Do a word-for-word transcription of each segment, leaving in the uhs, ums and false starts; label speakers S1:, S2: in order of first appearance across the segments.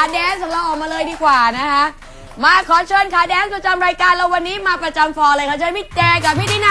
S1: แดนซ์ของเราออกมาเลยดีกว่านะคะมาขอเชิญขาแดนซ์ประจำรายการเราวันนี้มาประจำฟอร์เลยค่ะเชิญพี่แจกับพี่ตินา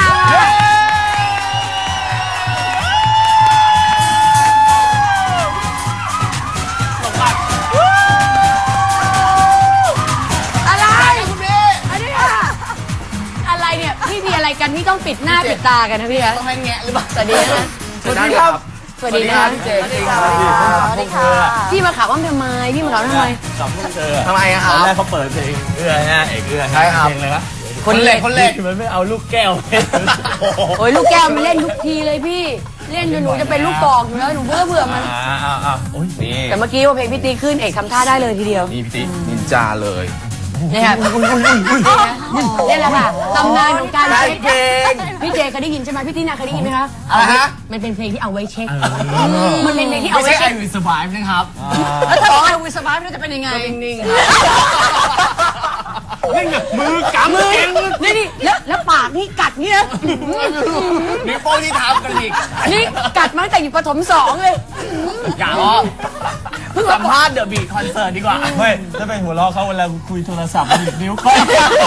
S1: อะไรคุณพี่อันนี้อะไรเนี่ยพี่มีอะไรกันนี่ต้องปิดหน้าปิดตากันนะพี่คะ
S2: ต้องให้แงะหรือเปล่า
S1: สวัสดีนะ
S2: สวัสดีครับ
S1: สวัสดีนะพี่เจสวัสดีค่ะสวัสดีค่ะพี่มาขับอ้อมทำไมพี่มาขับทำไม
S3: ขับพวกเธอ
S2: ทำไมอะครับ
S3: ตอนแรกเขาเปิดเพลงเอื้อฮะเอกเอื้อใช่ครับเพลงอะไรวะ
S2: คนเล็กคนเล็ก
S3: มันไม่เอาลูกแก้ว
S1: โอ้ยลูกแก้วมันเล่นทุกทีเลยพี่เล่นจนหนูจะเป็นลูกกอกอยู่แล้วหนูเบื่อเบื่อมันแต่เมื่อกี้ว่าเพลงพี่ตีขึ้นเอกทำท่าได้เลยทีเดียว
S2: นี่พี่ตีนินจาเลย
S1: นี่ค่ะนี่แหละค่ะตำนานของการเช็คเพลงพี่เจเคยได้ยินใช่ไหมพี่ตีน่าเคยได้ยินไหมคะ
S2: อะไรฮะ
S1: มันเป็นเพลงที่เอาไว้เช็คมันเป็นเพลงที่เอา
S2: ไว้
S1: เช็ค
S2: I will survive นะครับ
S1: แล้วถ้าบอก I will survive จะเป็นยังไง
S2: นิ่ง
S3: ๆนิ่งมือกำมือ
S1: นี่นี่แล้วแล้วปากนี่กัดนี่นะ
S2: นิ้วโป้งที่ทำกันอีก
S1: นี่กัดมาตั้งแต่อยู่ประถมสองเลย
S2: อย่าล้อสัมภาษณ์เดอะบีทคอนเสิร์ตดีกว่า
S3: ไม่ถ้าเป็นหัวเราะเขาเวลาคุยโทรศัพท์ดินิ้วก้อย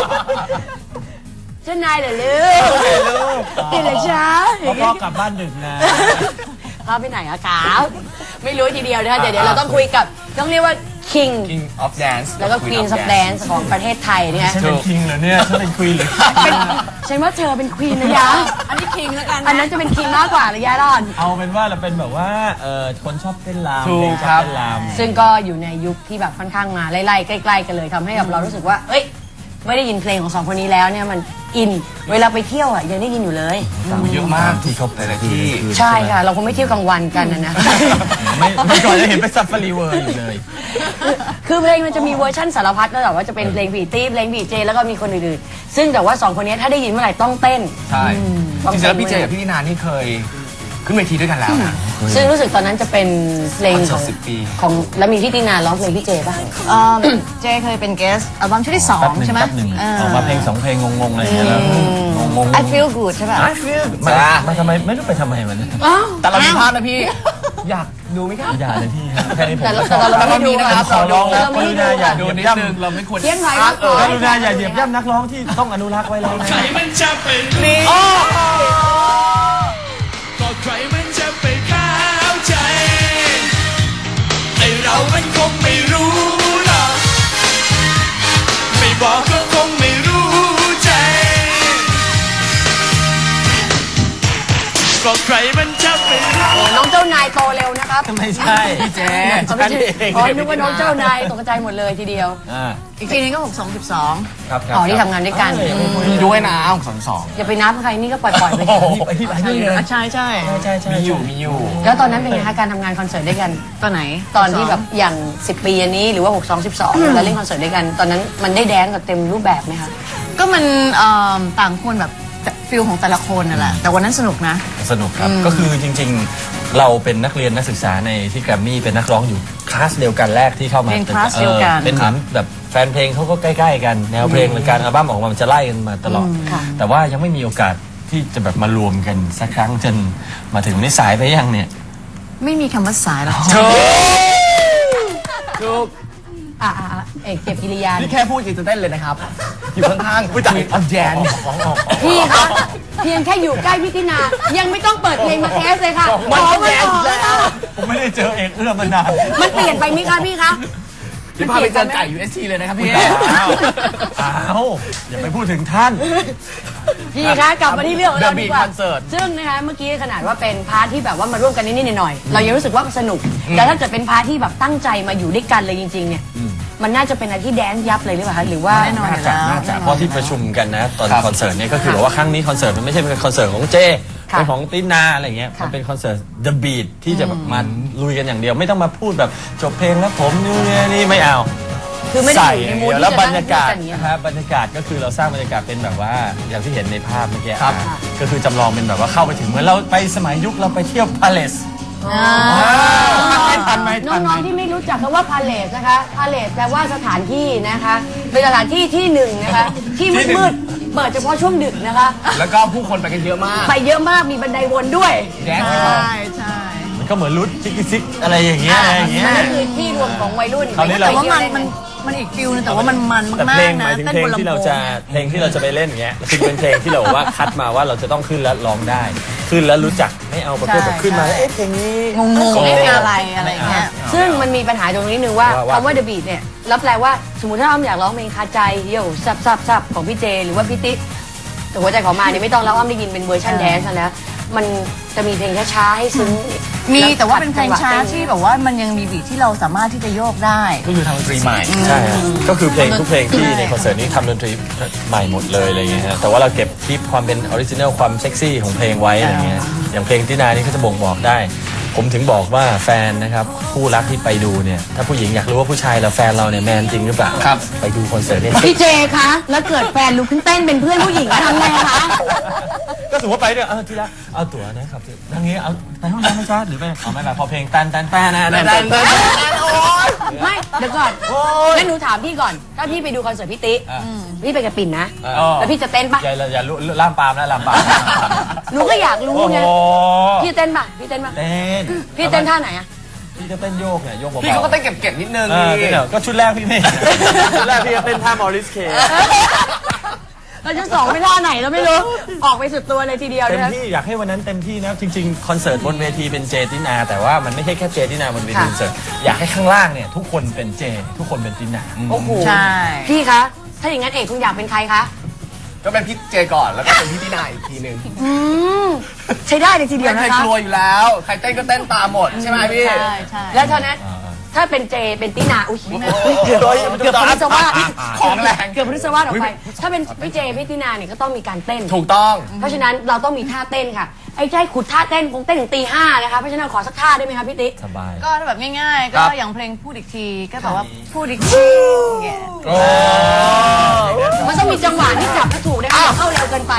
S1: เจ้านายเหรอลูกเห็นเหรอจ๊ะ
S3: พ่อกลับบ้านดึกนะ
S1: พ่อไปไหนอะครับไม่รู้ทีเดียวนะคะเดี๋ยวเดี๋ยวเราต้องคุยกับต้องเรียกว่า King
S2: King of Dance
S1: แล้วก็ Queen of Dance ของประเทศไทยเนี่ย
S3: ฉันเป็น King เหรอเนี่ยฉันเป็น Queen หรือ
S1: ฉันว่าเธอเป็น Queen นะยะอันนี้ King แล้วกันอันนั้นจะเป็น King มากกว่าระยะรอน
S3: เอาเป็นว่าเราเป็นแบบว่าเอ่อคนชอบเต้นรำ
S2: ถูกครับเต้น
S3: ร
S1: ำซึ่งก็อยู่ในยุคที่แบบค่อนข้างมาไล่ๆใกล้ๆกันเลยทำให้แบบเรารู้สึกว่าเอ้ยไม่ได้ยินเพลงของสองคนนี้แล้วเนี่ยมันอินเวลาไปเที่ยวอ่ะยังได้ยินอยู่เลย
S2: เยอะมากที่ชอบหลายที่
S1: ใช่ค่ะเราคงไม่เที่ยวกลางวันกันนะนะ
S3: ไม่ไม่ก่อนจะเห็นไปซัฟฟารีเวิร์อยู่เลย
S1: คือเพลงมันจะมีเวอร์ชั่นสารพัดแล้วแต่ว่าจะเป็นเพลงผีตี้เพลงผีเจแล้วก็มีคนอื่นๆซึ่งแต่ว่าสองคนนี้ถ้าได้ยินเมื่อไหร่ต้องเต้น
S2: ใช่จริงๆแล้วพี่เจกับพี่นินานี่เคยขึ้นเวทีด้วยกันแล้วนะ
S1: ซึ่งรู้สึกตอนนั้นจะเป็นเพลงของของแล้วมีพี่ตินาร้องเพลงพี่เจป่ะ
S4: เจเคยเป็นเกสอัลบั้มชุดที่สองใช่ไหม
S3: ออกมาเพลงสองเพลงงงๆอะไรอย่างเงี้ยแล้วงงๆ
S4: I feel good ใช่ป่ะ
S3: I feel มามาทำไมไม่รู้ไปทำไมมัน
S2: แต่เรามีภาพนะพี่อยากดูไหมครับ
S3: อยากเลยพี่แค่นี้ผม
S1: แต่เราไม่ดูนะครับ
S3: ขอร้องนะกรุณาอย่า
S2: ดู
S3: เหยียบ
S2: นิด
S3: ย่ำ
S2: นึงเราไม่ควร
S1: เที่ยงไทย
S3: กรุณาอย่าเหยียบย่ำนักร้องที่ต้องอนุรักษ์ไว้แล้วนะ
S5: ใครมันจะเป็น
S2: นี่
S5: ก็ใครมันจะไปเข้าใจไอเรามันคงไม่รู้หรอกไม่บอกก็คงไม่รู้ใจก็ใครมันจะไป
S1: น้องเจ้านายโตเร็วนะครับ
S3: ไม่ใช่
S2: พี่เจ
S1: ฉันเองอ๋อนึกว่าน้องเจ้านายตกใจหมดเลยทีเดียว
S4: อีกทีนึงก็หกสองสิบสอง
S3: ครับ
S1: อ๋อที่ทำงานด้วยกัน
S2: มีด้วยนะองสองสอง
S1: อย่าไปนับใครนี่ก็ปล่อยๆไป
S4: ใช่ใช่
S3: ใช่ใช่
S2: มีอยู่มีอยู่
S1: แล้วตอนนั้นเป็นไงคะการทำงานคอนเสิร์ตด้วยกัน
S4: ตอนไหน
S1: ตอนที่แบบอย่างสิบปีอันนี้หรือว่าหก สอง สิบสองเราเล่นคอนเสิร์ตด้วยกันตอนนั้นมันได้แดนกับเต็มรูปแบบไหมคะ
S4: ก็มันต่างคนแบบฟิลของแต่ละคนนั่นแหละแต่วันนั้นสนุกนะ
S3: สนุกครับก็คือจริงๆเราเป็นนักเรียนนักศึกษาในที่แกรมมี่เป็นนักร้องอยู่คลาสเดียวกันแรกที่เข้ามา
S4: เป็นคลาสเดียวกัน
S3: เป็นเหมือนแบบแฟนเพลงเขาก็ใกล้ๆกันแนวเพลงหรือการอัลบั้มออกมามันจะไล่กันมาตลอดแต่ว่ายังไม่มีโอกาสที่จะแบบมารวมกันสักครั้งจนมาถึงวันนี้สายไปยังเนี่ย
S4: ไม่มีคำว่าสายหรอก
S2: ถูกถูก
S1: อ่าเอกเก็บกิริยา
S2: นี่แค่พูดจริงเต้นเลยนะครับอยู่ข้างๆผู้จัดอันแจน
S1: พี่คะเพียงแค่อยู่ใกล้พี่ตินายังไม่ต้องเปิดเพลงมาเทสเลยค่ะ
S2: มันแจนแล้ว
S3: ผมไม่ได้เจอเอกเอื้อมานาน
S1: มันเปลี่ยนไปไหมคะพี่คะ
S2: พี่พาไปเจอไก่ ยู เอส ที เลยนะครับพี่
S3: อ้าวอ้าวอย่าไปพูดถึงท่าน
S1: พี่คะกลับมาที่เรื่องของเราดีกว่า
S2: คอนเสิร์ต
S1: ซึ่งนะคะเมื่อกี้ขนาดว่าเป็นพาร์ทที่แบบว่ามาร่วมกันนิดๆหน่อยๆเรายังรู้สึกว่าสนุกแต่ถ้าเกิดเป็นพาร์ทที่แบบตั้งใจมาอยู่ด้วยกันเลยจริงๆเนี่ยมันน่าจะเป็นอะไรที่แดนซ์ยับเลยหรือเปล่าคะหรือว่า
S4: แน่นอน
S3: น่าจะน่าจะเพราะที่ประชุมกันนะตอนคอนเสิร์ตเนี่ยก็คือบอกว่าครั้งนี้คอนเสิร์ตมันไม่ใช่เป็นคอนเสิร์ตของเจเป็นของตินาอะไรเงี้ยมันเป็นคอนเสิร์ต The Beat ที่จะแบบมาลุยกันอย่างเดียวไม่ต้องมาพูดแบบจบเพลงแล้วผมนี่นี่ไม่เอา
S1: คือไม่ได้อยู่ในมูด
S3: แล้วบรรยากาศนะครับบรรยากาศก็คือเราสร้างบรรยากาศเป็นแบบว่าอย่างที่เห็นในภาพเมื่อกี้ครับก็คือจำลองเป็นแบบว่าเข้าไปถึงเหมือนเราไปสมัยยุคเราไปเที่ยวพาเลสไม่ทันไหม
S1: น้องๆที่ไม่รู้จักคำว่าพาเลสนะคะพาเลสแปลว่าสถานที่นะคะเป็นสถานที่ที่หนึ่งนะคะที่มืดๆเปิดเฉพาะช่วงดึกนะคะ
S2: แล้วก็ผู้คนไปกันเยอะมาก
S1: ไปเยอะมากมีบันไดวนด้วย
S2: แดนซ์
S4: ใช่ใช่
S3: ก็เหมือนรุดจิกกิซิกอะไรอย่างเงี้ยอะไรอย่างเงี้ย
S1: มันก็คือที่รวมของวัยรุ่น
S3: คราวนี้
S4: แต่
S3: เรา
S4: ว่ามันมันมันอีกฟิลนึงแต่ว่ามันมัน
S3: แต่
S4: มา
S3: เพล
S4: ก
S3: ง
S4: ๆ
S3: ห
S4: นะ
S3: มายถึง
S4: เต้น
S3: เพล
S4: บ
S3: ง
S4: นลำ
S3: ที่
S4: โพ
S3: เรา
S4: ง
S3: จะเพลงที่เราจะไปเล่นอย่างเงี้ยคือเป็นเพลงที่เราว่าคัดมาว่าเราจะต้องขึ้นแล้วร้องได้ ขึ้นแล้วรู้จักไม่เอาประเภทแบบขึ้นมาแล้วเอ๊ะเพลงนี้
S4: งงๆเอ๊ะอะไรอะไรอย่างเงี้ย
S1: ซึ่งมันมีปัญหาตรงนี้นึงว่า
S3: ว่าว่า
S1: คำว่า The Beat เนี่ยรับแปลว่าสมมติถ้าอ้อมอยากร้องเพลงคาใจโย่ซับซับซับของพี่เจหรือว่าพี่ติ๊กแต่หัวใจของมาเนี่ยไม่ต้องแล้วอ้อมได้ยินเป็นเวอร์ชันแดนซ์แล้วมันจะมีเพลงช้าๆให้ซึ้ง
S4: มีแต่ว่าเป็นเพลงช้า
S1: จัหวะ
S4: ที่แบบว่ามันยังมีบีทที่เราสามารถที่จะโยกได้
S2: ก็คือทางดนตรีใหม่
S3: ใช่ฮะก็คือเพลงทุกเพลงที่
S4: ใช่
S3: ในคอนเสิร์ตนี้ทำดนตรีใหม่หมดเลยอะไรเงี้ยฮะแต่ว่าเราเก็บคลิปความเป็นออริจินัลความเซ็กซี่ของเพลงไว้อะไรเงี้ยอย่างเพลงที่นานี่ก็จะบ่งบอกได้ ผมถึงบอกว่าแฟนนะครับคู่รักที่ไปดูเนี่ยถ้าผู้หญิงอยากรู้ว่าผู้ชายเราแฟนเราเนี่ยแมนจริงหรือเปล่า
S2: ครับ
S3: ไปดูคอนเสิร์ตนี่
S1: พี่เจคะแล้วเกิดแฟนลุกขึ้นเต้นเป็นเพื่อนผู้หญิงแล้วทำไงคะ
S3: ก็สมมติไปเนี่ยเออที่รักเอาตั๋วนะครับทางนี้เอาไปห้องน้ำไหมจ๊ะหรือไปเอาไม่ไปพอเพลงตันตันแป้นะตันตันตัน
S1: ไม่เดี๋ยวก่อนงั้นหนูถามพี่ก่อนถ้าพี่ไปดูคอนเสิร์ตพี่ติ๊กพี่ไปกับปิ่นนะแล้วพี่จะเต้นปะ
S3: อย่าอย่าลุล่ามปามนะล่ามปาม
S1: หนูก็อยากรู้
S3: โอ้โห
S1: ไงพี่เต้นปะพี่เต้นปะ
S3: เต้น
S1: พี่เต้นท่าไหนอะ
S3: พี่จะเต้นโยกเนี่ยโยกเบาๆ
S2: พี่เขาก็เต้นเก็บๆนิดนึง
S3: เออเดี๋ยวก็ชุดแรกพี่ไม่ชุดแรกพี่จะเต้นท่ามอริสเค
S1: เราจะสองไม่ท่าไหนเราไม่รู้ ออกไปสุดตัวเลยทีเดียว
S3: เต็ม
S1: นะ
S3: ที่อยากให้วันนั้นเต็มที่นะจริงๆคอนเสิร์ตบนเวทีเป็นเจตินาแต่ว่ามันไม่ใช่แค่เจตินาบนเวทีคอนเสิร์ตอยากให้ข้างล่างเนี่ยทุกคนเป็นเจทุกคนเป็นตินา
S1: โอ้โห
S4: ใช่
S1: พี่คะ ถ้าอย่างนั้นเอกคุณอยากเป็นใครคะ
S2: ก็เป็นพี่เจก่อนแล้วก็เป็นพี่ตินาอีกทีหนึ่ง
S1: อืมใช้ได้เลยทีเดียว
S2: ไม่
S1: นะ
S2: เคย
S1: คะ
S2: กลัวอยู่แล้ว ใครเต้นก็เต้นตามหมดใช่ไหมพี่
S4: ใช่ใช่
S1: แล้วเท่านั้นถ้าเป็นเจเป็นตินาอุ้ยเกือบเกือบพฤษวาส
S2: ของแรง
S1: เกือบพฤษวาสออกไป ถ้าเป็นพี่เจพี่ตินาเนี่ยก็ต้องมีการเต้น
S2: ถูกต้อง
S1: เพราะฉะนั้นเราต้องมีท่าเต้นค่ะไอ้ใจขุดท่าเต้นคงเต้นถึงตีห้านะคะเพราะฉะนั้นขอสักท่าได้ไหมคะพี่ติ๊ก
S3: สบาย
S4: ก็แบบง่ายๆ
S2: ครั
S4: ก็
S2: บ
S4: อย่างเพลงพูดอีกทีก็แบบว่าพูดอีกทีอย่างเงี้ย
S2: โอ้
S1: มันต้องมีจังหวะที่จับให้ถูกนะคะอย่าเข้าเร็วเกินไป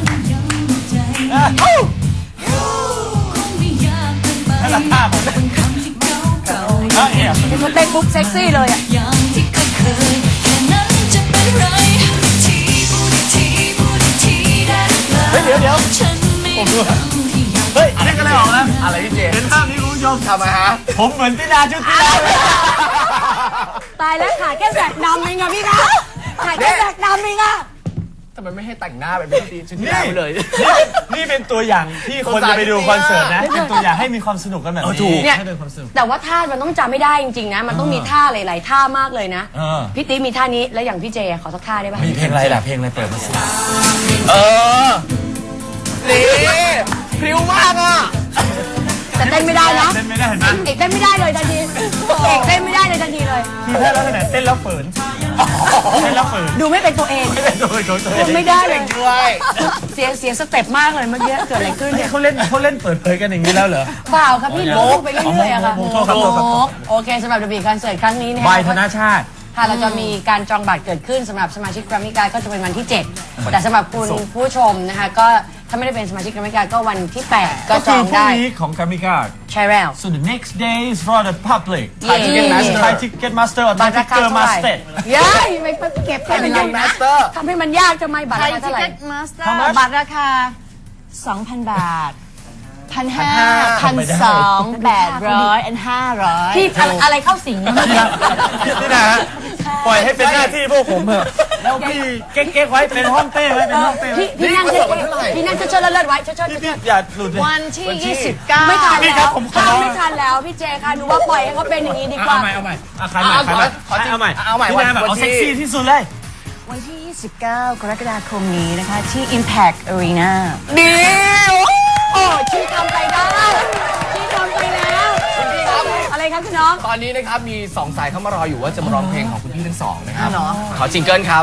S3: ถ้าราคาผมเออเอ๋
S1: มันเต้นปุ๊บเซ็กซี่เลยอ่ะ
S6: อย่างที่เคยเคยแค่นั้นจะเป็นไรทีพูดอีกทีพูดอีกทีได้หรือเปล่า
S3: เฮ้ยเดี๋ยวเดี๋ยว
S6: ฉันไม่รู้ที่อยาก
S3: เฮ้ยนี่ก็เลยออกแล้ว
S2: อะไรพี่เจ
S3: เห็นภาพนี้คุณผู้ชม
S2: ทำไมฮะ
S3: ผมเหมือนตินาชุดตินาเลย
S1: ตายแล้วขาแค่แสกดำเองอะพี่คะขาแค่แสกดำเองอะ
S2: ทำไมไม่ให้แต่งหน้าเป็นพี่ตีชุดที่แล้วไปเลย
S3: นี่เป็นตัวอย่างที่คนจะไปดูคอนเสิร์ตนะเป็นตัวอย่างให้มีความสนุกกันแบบนี้
S1: เนี่ย
S3: ให้เป็นความสนุก
S1: แต่ว่าท่ามันต้องจำไม่ได้จริงๆนะ มันต้องมีท่าหลาย ๆ ท่ามากเลยนะ
S3: เออ
S1: พี่ติ๊กมีท่านี้แล้วอย่างพี่เจขอสักท่าได้ปะ
S3: มีเพลงอะไรล่ะเพลงอะไรเปิดมาสิ
S2: เออ นี่พริ้วมากอ่ะ
S1: แต่เต้นไม่ได้นะ
S3: เต้นไม่ได้เห็นไหม
S1: เอกเต้นไม่ได้เลยทันทีเอกเต้นไม่ได้เลยทันทีเลย
S3: ทีแรกแล้วขนาดเต้นแล้วเฟิร์นเต้นแล้วเฟิร์น
S1: ดูไม่เป็นตัวเอง
S3: โดยโดยโดย
S1: ไม่ได้เลย
S2: ด้วย
S1: เสียงเสียงสเต็ปมากเลยเมื่อกี้เกิดอะไรขึ้นเนี่ย
S3: เขาเล่นเขาเล่นเปิดเผยกันอย่างนี้แล้วเหรอ
S1: เปล่าครับพี่มุกไปเรื่อยๆอะค่ะ
S3: โอ้โหโทษครับโทษครับ
S1: มุกโอเคสำหรับดบีคอนเสิร์ตครั้งนี้เนี่ย
S3: ใบธนาชาติ
S1: ค่ะเราจะมีการจองบัตรเกิดขึ้นสำหรับสมาชิกแกรมมี่การ์ดก็จะเป็นวันที่ เจ็ด แต่สำหรับคุณผู้ชมนะคะก็ถ้าไม่ได้เป็นสมาชิกแกรมมี่การ์ดก็วันที่ แปด ก็
S3: ก็
S1: จ
S3: คือ อง พรุ่ง
S1: ได้
S3: นี้ของกามิกา
S1: ใช่แล้ว
S3: so the next day is for the public
S1: เย้
S3: Thai Ticket Master or
S1: บั
S3: Thai
S1: ตรราคา
S3: Ticket
S1: เท่าไหร่
S3: Master
S1: ย้ายไม่ไปเก็บให้มันยาก
S2: มาสเตอร์
S1: ทำให้มันยากทำไมบัตร
S4: ไท
S1: ราย คา
S4: ทิ
S1: เท่าไหร่
S4: เก็ตมาสเตอ
S3: How
S4: ร์
S3: much?
S4: บัตรราคา สองพัน บาท พันห้า
S2: พั
S4: พั
S2: น
S4: น
S2: ห้า
S4: สองแปดร้อยอันห้าร้อย
S1: พี่อะไรอะไรเข้าสิงเมื่อกี้
S3: นี่นะฮะปล่อยให้เป็นหน้าที่พวกผมเถอะแล้วพี่เก๊กๆไว้เป็นห้องเต้ไว้เป็นห้องเต้ไว้
S1: พี่พี่นั่งเฉยๆพี่นั่งเฉยๆแล้วเลิศไว้เฉยๆ
S3: พี่
S1: เฉ
S3: พี่
S1: ย
S3: อย่าหลุดเลย
S4: วันที่ ยี่สิบเก้า
S1: ๆไม่ทัน
S3: พี่ค
S1: แล้
S3: รับ
S1: ว
S3: ผมขอ
S1: ข้ามไม่ทันแล้วพี่เจค่ะหนูว่าปล่อยให้เขาเป็นอย่างนี้ดีกว่า
S3: เอาใหม่เอาใหม่เอาใครใหม่ใครใหม่
S2: ขอจริง
S3: เอาใหม่
S2: เอาใหม่
S3: พี่นาแบบ
S2: วัน
S3: เอา
S2: ที่
S3: เซ็กซี่ที่สุดเลย
S4: วันที่ ยี่สิบเก้ากรกฎาคมนี้นะคะ ที่ Impact Arena
S1: ดีโอ้ชี้ทำไปได้ชี้ทำไปแล้วอะไรครับคุณน้อง
S2: ตอนนี้นะครับมีสองสายเข้ามารออยู่ว่าจะมาร้องเพลงของคุณพี่ทั้งสองนะครับ
S4: เหรอ
S2: ขอจิงเกิลครับ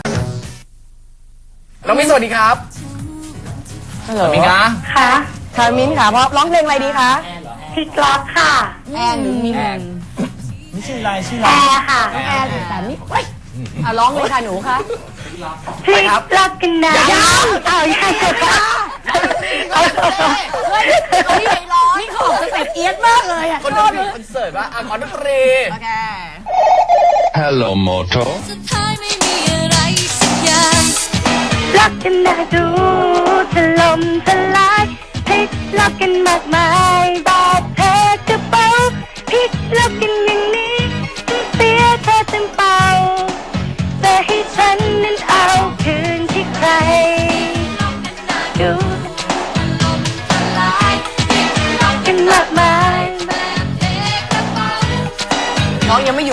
S2: น้องมิ้นสวัสดีครับ
S1: ฮัลโหล
S2: มิ้นคะ
S1: ค่ะค่ะมิ้นค่ะพร้อมร้องเพลงอะไรดีคะ
S7: พี่กล็อกค่ะ
S1: แอนหรือมิน
S3: นี่ชื่ออะไรชื่อ
S7: แอ
S3: อะไร
S7: ร์ค่ะ
S1: น้องแอนแต่นี่เฮ้ยอ่ะร้องเลยค่ะหนูคะ
S7: พี่กล็อกกันนะเอาอย่าจะบ้า
S1: เฮ้ยเขาที่ไหนร้องนี่เขาออกสเต็ปเอียดมากเลยอ่ะ
S2: คน
S1: ช
S2: ด
S1: อน บ
S2: ตรี
S1: เลย
S2: คอนเสิร์ตว่าอ่ะขอดนตรี
S4: โอเค
S5: Hello Moto
S6: สุดท้ายไม่มีอะไรสักอย่าง
S7: ล็อกกันนะดูถล่มทลายพลิกล็อกกันมากมายบาดแผล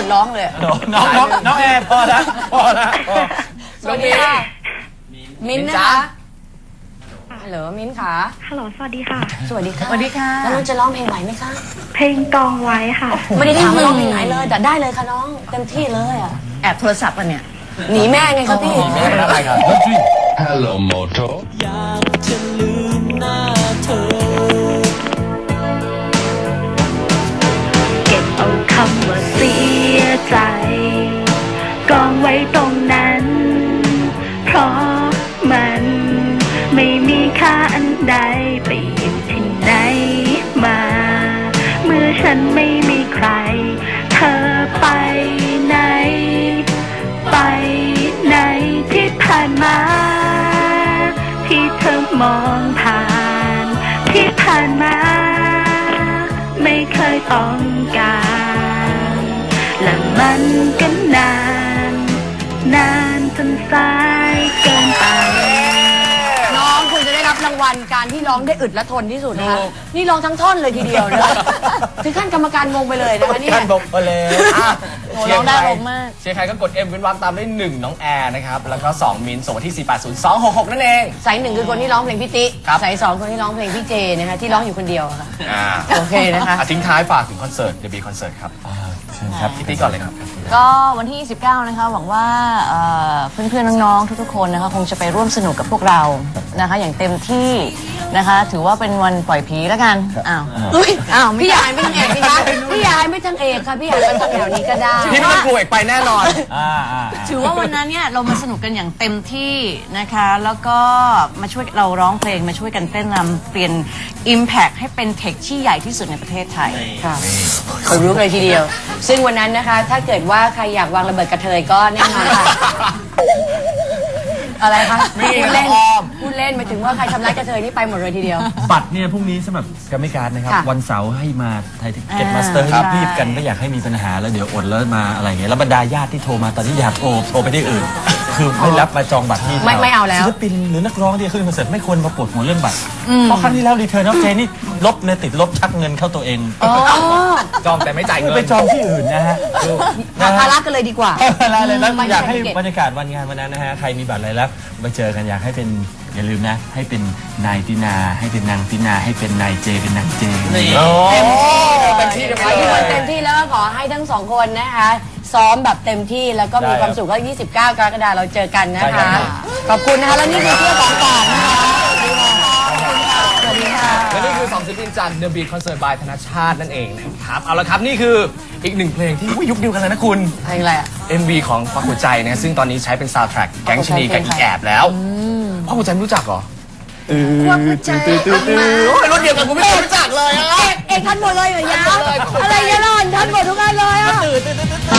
S1: ดร้องเลย
S3: น้องน้องน้องน้องแอร์พอแล้วพอแล้วพอ
S1: สวัสดีค่ะ มิ้นท์นะคะฮัลโหลมิ้นท์ค่ะ
S7: ฮัลโหลสวัสดีค่ะ
S1: สวัสดีค่ะ
S4: สวัสดีค่ะ
S1: แล้วน้องจะร้องเพลงไหวไหมคะ
S7: เพลงกองไว้ค่ะ
S1: ไม่ได้ถามว่าร้องเพลงไหนเลย แต่ได้เลยค่ะน้องเต็มที่เลยอ่ะ
S4: แอบโทรศัพท์อ่ะเนี่ย
S1: หนีแม่ไงครับพี่
S2: ไม่ได้อะไรครับ
S5: Hello Moto
S7: เก็บเอาคำว่าเสียใจ กองไว้ตรงนั้น เพราะมันไม่มีค่าอันใดไปอยู่ที่ไหนมา เมื่อฉันไม่มีใคร เธอไปไหน ไปไหนที่ผ่านมา ที่เธอมองผ่าน ที่ผ่านมา ไม่เคยต้องการ และมันก็นาน นานจนสายเกินไป
S1: น้องคุณจะได้รับรางวัลการที่ร้องได้อึดและทนที่สุดนะคะนี่ร้องทั้งท่อนเลยทีเดียวนะถึงขั้นกรรมการงงไปเลยนะคะเนี่ย
S3: ท่านบอกไปแล้ว
S2: อ่ะ
S4: โอ้ร้องได้อารมณ์มาก
S2: เชียร์ใครก็กด M เว้นวรรคตามด้วยหนึ่งน้องแอร์นะครับ แล้วก็สองมินส่งมาที่ สี่แปดศูนย์ สองหกหก นั่นเอง
S1: สายหนึ่งคือคนที่ร้องเพลงพี่ติ
S2: ครับ
S1: สายสองคนที่ร้องเพลงพี่เจนะคะที่ร้องอยู่คนเดียวอะค่ะ
S2: อ่า
S1: โอเคนะคะ
S2: อ่ะทิ้งท้ายฝากถึงคอนเสิร์ตเดบีคอนเสิร์ตครับ
S3: ครับ
S2: พี่ติ๊กก่อนเลยครับ
S4: ก็วันที่ ยี่สิบเก้า นะคะ หวังว่าเอ่อเพื่อนๆ น้องๆ ทุกๆ คนนะคะ คงจะไปร่วมสนุกกับพวกเรานะคะ อย่างเต็มที่นะคะ ถือว่าเป็นวันปล่อยผีแล้วกัน อ้าว
S1: อุ้ย
S4: อ้าวไม่
S1: พี่ยายไม่ทางเอกพี่คะพี่ยายไม่ทางเอกค่ะพี่ยายไปทางแถวนี้ก็ได้
S2: พี่ไม่ต้องกลัวอีกไปแน่นอน
S3: อ่าอ่า
S4: ถือว่าวันนั้นเนี่ยเรามาสนุกกันอย่างเต็มที่นะคะ แล้วก็มาช่วยเราร้องเพลงมาช่วยกันเต้นรำเปลี่ยน Impact ให้เป็นเทคที่ใหญ่ที่สุดในประเทศไทย
S1: ค่ะขนลุกเลยทีเดียว ซึ่งวันนั้นนะคะ ถ้าเกิดว่าใครอยากวางระเบิดกระเทยก็แน่นอนค่ะ อะไรคะ
S2: มี
S1: พูดเล่น
S2: อ้อม
S1: พูดเล่นหมายถึงว่าใครทำร้ายกระเทยนี่ไปหมดเลยทีเดียว
S3: บัตรเนี่ยพรุ่งนี้สำหรับกรรมการนะครับ
S1: ค่ะ
S3: วันเสาร์ให้มาไทยเก็ต
S4: อ่า
S3: มาสเตอร์
S4: ครับ
S3: รีบๆกันไม่อยากให้มีปัญหาแล้วเดี๋ยวอดแล้วมาอะไรเงี้ยแล้วบรรดาญาติที่โทรมาตอนนี้อยากโทรโทรไปที่อื่น คือไม่รับมาจองบัตรที่
S1: ไม่ไม่เอาแล้ว
S3: ศิลปินหรือนักร้องที่จะขึ้นคอนเสิร์ตไม่ควรมาปวดหัวเรื่องบัตรเพราะครั้งที่แล้วรีเทิร์นออฟเจนี่ลบเนี่ยติดลบชักเงินเข้าตัวเอง
S1: อ๋อ
S2: จองแต่ไม่จ่ายเงิน
S3: ไปจองที่อื่นนะฮะ
S1: หาภาระกันเลยดีกว่า
S3: อะไรเลยแล้ว
S1: ไม่
S3: อยากให้
S1: ไม่เก็บ
S3: บรรยากาศวันงานวันนั้นนะฮะใครมีบัตรอะไรแล้วมาเจอกันอยากให้เป็นอย่าลืมนะ ให้เป็นนายตินาให้เป็นนางตินาให้เป็นนายเจเป็นนางเจ
S2: โอ้เต็มที่กัน
S1: ข
S2: ไป
S1: อให้ทุก
S2: เล
S1: คน
S2: ย
S1: เต็มที่แล้วก็ขอให้ทั้งสองคนนะคะ ซ้อมแบบเต็มที่แล้วก็มีความสุขก็ยี่สิบเก้ากรกฎาคมเราเจอกันนะคะ ขอบคุณนะคะ แล้วนี่คือเพื่อของฝากนะคะสวัสดีค่ะ
S2: และนี่คือสองศิลปินจาก The Beat Concert by ธนชาตินั่นเองนะครับ เอาละครับ นี่คืออีกหนึ่งเพลงที่อุ๊ยยุคเดียวกันเลยนะคุณ
S1: เพลงอะไรอ่ะ
S2: เอ็ม วี ของควักหัวใจนะซึ่งตอนนี้ใช้เป็นซาวด์แทร็กแก๊งชะนีกับอีแอบแล้วควักหัวใจไม่รู้จักเหรอ
S1: ควักหัวใจ
S2: โอ้ยรุ่นเดียวกันกูไม่เคยรู้จักเลยอะ
S1: เอกเอกทันหมดเลยเหรอยาวอะไรเงี้ยล่อนทันหมดทุกอันเลยอ่ะ